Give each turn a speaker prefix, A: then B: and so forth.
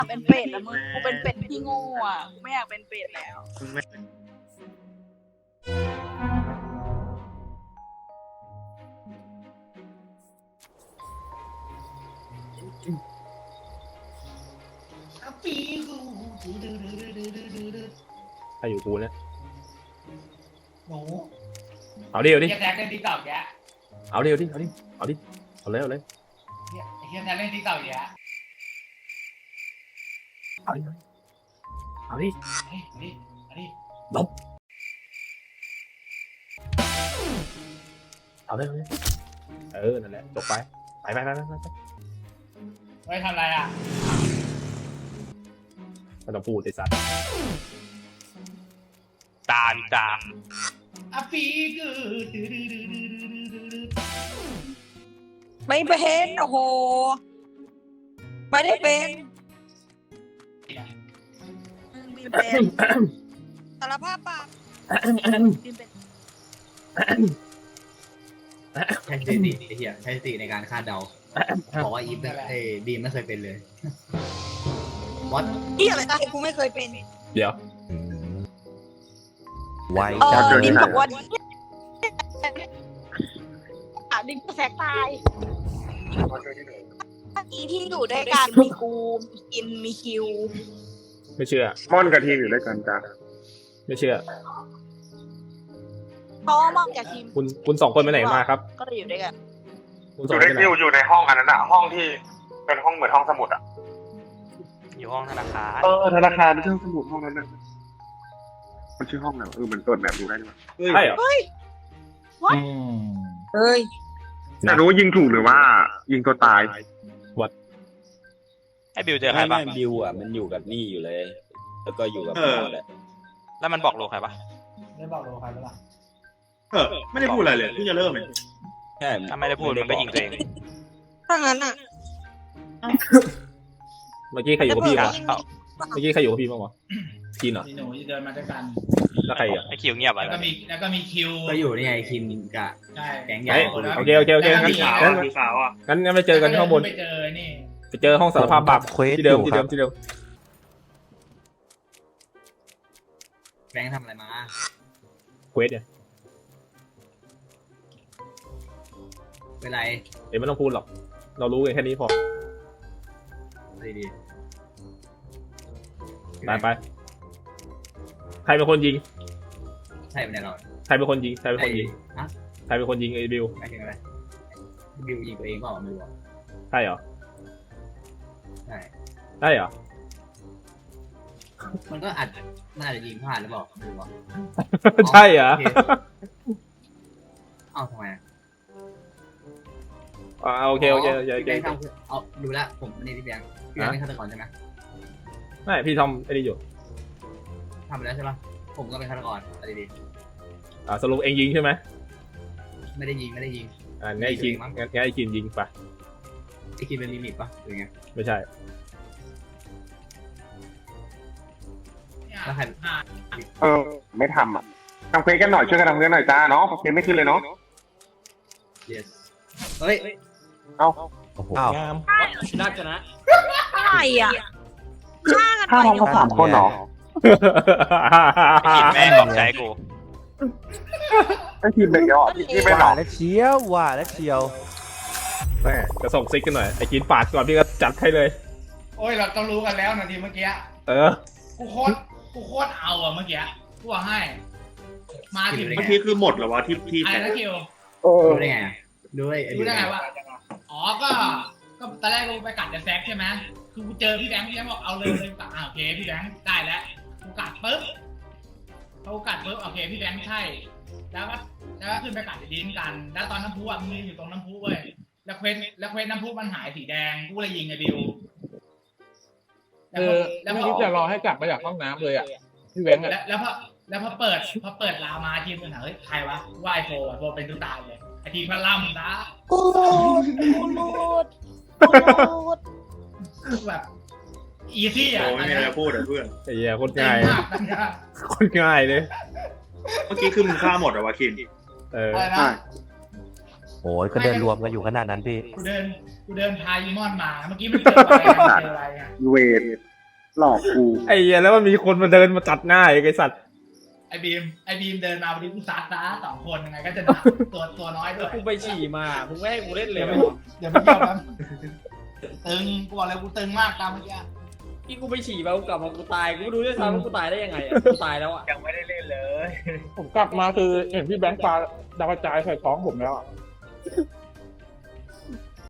A: เป็นเป็ดแล้วมึงกูเป็นเป็ดที่โง่อ่ะกูไม่อยากเป็นเป็ดแล้ว
B: ใครอยู่กูเนี่ย
C: หนู
B: เอาดิเอาดิ
C: เฮียแท็กเล่นติ๊กต็อกแก
B: เอาดิเอาดิเอาดิเอาดิเอาเลยเอาเลย
C: เฮียแท็กเล่นติ๊กต็อกแก
B: เอาดิเอาดิ
C: อันนี้
B: ลบเอาเลยเอาเลยนั่นแหละจบไปไป
C: ไว้ทำอะไรอ่ะ
B: ไม่ต้องพูดไอ้สัตว์
D: ตาม
C: อ่ะปีกือ
A: ไม่เป็นโอ้โหไม่ได้เป็นบีมเป็นสารภาพปากบีมเป็น
E: ใช้สติไอ้เหี้ยใช้สติในการคาดเดาบอกว่าอีฟดีมไม่เคยเป็นเลยวัด
A: ที่อะไรนะกูไม่เคยเป็น
B: เดี๋ยว
F: ไว
A: ดิมบอกว่าดิมก็แสกตายอีที่อยู่ด้วยกันมีกูมีกินมีคิว
B: ไม่เชื่อ
G: ม่อนกับทีมอยู่ด้วยกันจ้ะ
B: ไม่เชื่อ
A: เพราะว่ามองจากทีม
B: คุณสองคนไปไหนมาครับ
A: ก็เลยอยู่ด้วยกัน
B: คุณ
G: อ
B: สอง
G: ยู่
B: คน
G: ใน
B: ไปไหน
G: อยู่ในห้องอันนั้นอะห้องที่เป็นห้องเหมือนห้องสมุดอะ
D: อยู่ห้องธนาคาร
G: ธนาคารไม่ใช่ห้องสมุดห้องนั้นน่ะมันชื่อห้องไหนวะมันเปิดแบบดูได้ด้วย
B: ใช่เหรอ
A: เฮ้ย
G: อยากรู้ว่ายิงถูกหรือว่า ยิงตัวตาย
D: ไอ้บิวเจอใคร
F: ไม่
D: บ้าง
F: บิวอ่ะมันอยู่กับนี่อยู่เลย แล้วก็อยู่กับพอแหละ
D: แล้วมันบอกโลใครปะ
C: ไม่บอกเราใครเปล่า
G: ไม่ได้พูดอะไรเลยเพิ่งจะเริ่มเอง
F: ใช่
D: ถ้าไม่ได้พูดมันก็ยิงตัวเอง
A: ถ้างั้นอ่ะ
B: เมื่อกี้ใครอยู่กับพี่
D: ก
B: วะ
D: เอา
B: เมื่อกี้ใครอยู่กับพี่บ้างวะกินเหรอ
C: หนูจะเดินมาด้วยกัน
B: แล้วใครอ่ะ
D: ไอ้คิวเงียบ
C: แล้ว
D: อะ
C: ก็มีคิว
E: ก็อยู่นี่ไงคินกับ
C: ใช่
E: แก๊งใหญ่
B: เฮ้ยโอเคงั้น
G: สีขาวอ่ะ
B: งั้นไปเจอกันข้างบน
C: ไปเจอนี่
B: ไปเจอห้องสารภาพบาป
F: เควส
B: ที่เดิม
F: อยู่
B: ที่
F: ค
B: เดิ
F: รับ
B: มที่เดิม
E: แก๊งทำอะไรมา
B: เควสเนี่ย
E: เป็นไร
B: เดี๋ยวไม่ต้องพูดหรอก เรารู้กันแค่นี้พอ
E: ดี
B: ไปใครเป็นคนยิง
E: ใช่เป็นไรเรา
B: ใครเป็นคนยิงใครเป็นคนยิง
E: ฮะ
B: ใครเป็นคนยิงไอ้บิว
E: ไม่ถึงอะไรบิวยิงตัวเองเปล่าไม่รู้
B: ใช่เหรอ
E: ใช่
B: ได้เหรอ
E: มันก็อาจน่าจะยิงพลาดหรือเปล่าไม่รู้
B: ใช่เหรอ
E: เอ้าทำไม
B: โอเค
E: พี่แบงค์ทำเอาดูแลผมนี่พี่แบงค์เป็นฆาตกรใช่ไหม
B: ไม่พี่ทำไอ้นี่อยู่
E: ทำไปแล้วใช่ปะผมก็เป็นฆาตกรอะไรดี
B: สรุปเองยิงใช่ไหม
E: ไม่ได้ยิง
B: งั้นไอ้คิงงั้นไอ้คิงยิงไป
E: ไอ้คินเป็นมิมิกปะหรือไง
B: ไม่ใช่
E: แล้วใคร
G: ไม่ทำอ่ะทำเควสกันหน่อยช่วยกันทำเควสหน่อยจ้าเนาะเควสไม่ขึ้นเลยเนาะ
E: yes เฮ้ย
G: เอา
F: โอ้โห
B: อ้าว
E: น่าจะนะ
A: ใช่อ่ะฆ่ากัน
G: ถ้า
A: ไป
G: เราสามคนเหรอ
D: ไอ้กินแม่งหลอกใจกู
G: ไอ้ทีมเป็นยอดที่ไม่หร
F: ว่า
G: อก
F: แล้วเชียวว่าแล้วเชียว
B: แม่จะส่งซิกกันหน่อยไอ้กินปาดก่อนพี่ก็จัดให้เลย
C: โอ้ยเราต้องรู้กันแล้วนาทีเมื่อกี้ กูโคตรเอาอะเมื่อกี้กูว่าให้ มาถึง
E: เมื่
G: เมื่อกี้คือหมดเหรอวะที่
C: ไอ้นะคิว
E: รู้ได้ไงรู้ได้
C: รู้ได้ไงว่าอ๋อก็ตอนแรกกูไปกัดเดอะแซกใช่ไหมคือกูเจอพี่แบงค์บอกเอาเลยกัดโอเคพี่แบงค์ได้แล้วกูกัดปุ๊บพอกูกัดปุ๊บโอเคพี่แบงค์ใช่แล้วก็ขึ้นไปกัดดินกัน แล้วตอนน้ำพุอ่ะมึงอยู่ตรงน้ำพุเว้ยแล้วเควสน้ำพุมันหายสีแดงกูเลยยิงไอ้บิวแล้วไม่คิดจะรอให้กลับมาจากห้องน้ำเลยอ่ะพี่แบงค์แล้วพอเปิดลามาทีมมันถามเฮ้ยใครวะว่าไอโฟเป็นตัวตายเลยไอทีมพลัมนะ
A: กูรูด
C: แบบอีซี่อ่ะ
G: ไม่มีอะไรพูดอ่ะเพื่อน
B: ไอ้เหี้ยโคตร
C: เจ๋ง
B: ง่าย
C: มากนะ
B: โคตรง่ายเลย
G: เมื่อกี้คือมึงฆ่าหมดเหรอวะคิน
C: อะไรนะ
F: โอ้ยก็เดินรวมกันอยู่ขนาดนั้นพี่
C: กูเดินพายีมอนมาเมื่อกี้มันเจออะไรอ่ะ
G: เวทหลอกกู
B: ไอ้เหี้ยแล้วมันมีคนมาเดินมาตัดหน้าไอ้สัตว์
C: ไอ้บีมเดินมาวันนี้กูซัดนะ2 คนยังไงก็จะตัวน้อยด้วย
H: กูไปฉี่มามึงไม่ให้กูเล่นเลย
C: เดี๋ยวไม่เกี่ยวกันตึงกูบอกเลยกูตึงมากตามเมื่อกี้
H: ที่กูไปฉี่มากูกลับมากูตายกูไม่รู้ด้วยซ้ำว่ากูตายได้ยังไงอ่ะกูตายแล้วอ่ะ
D: ยังไม่ได้เล่นเลย
I: ผมกลับมาคือเห็นพี่แบงค์ปาดาวกระจายใส่ท้องผมแล้วอะ